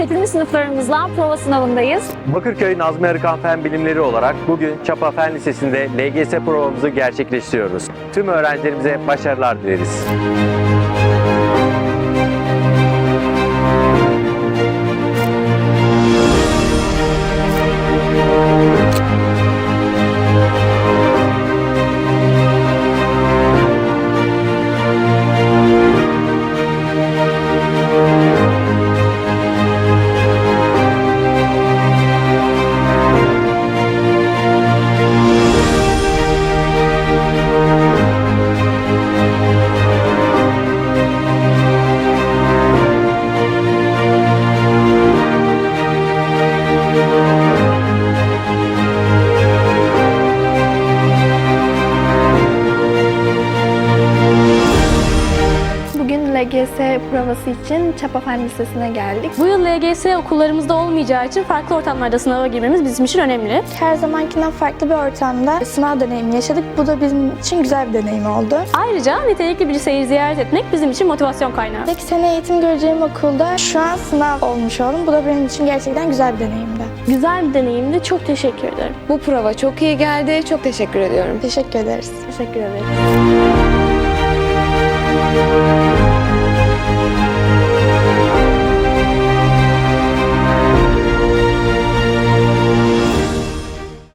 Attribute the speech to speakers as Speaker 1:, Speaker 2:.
Speaker 1: 8. sınıflarımızla prova sınavındayız.
Speaker 2: Bakırköy Nazmi Arıkan Fen Bilimleri olarak bugün Çapa Fen Lisesi'nde LGS provamızı gerçekleştiriyoruz. Tüm öğrencilerimize başarılar dileriz.
Speaker 3: Bugün LGS provası için Çapa Fen Lisesi'ne geldik.
Speaker 1: Bu yıl LGS okullarımızda olmayacağı için farklı ortamlarda sınava girmemiz bizim için önemli.
Speaker 3: Her zamankinden farklı bir ortamda sınav deneyimi yaşadık. Bu da bizim için güzel bir deneyim oldu.
Speaker 1: Ayrıca nitelikli bir şehir ziyaret etmek bizim için motivasyon kaynağı.
Speaker 3: 2 sene eğitim göreceğim okulda şu an sınav olmuş oldum. Bu da benim için gerçekten güzel bir deneyimdi.
Speaker 1: Güzel bir deneyimdi. Çok teşekkür ederim.
Speaker 4: Bu prova çok iyi geldi. Çok teşekkür ediyorum.
Speaker 3: Teşekkür ederiz.
Speaker 1: Teşekkür ederim.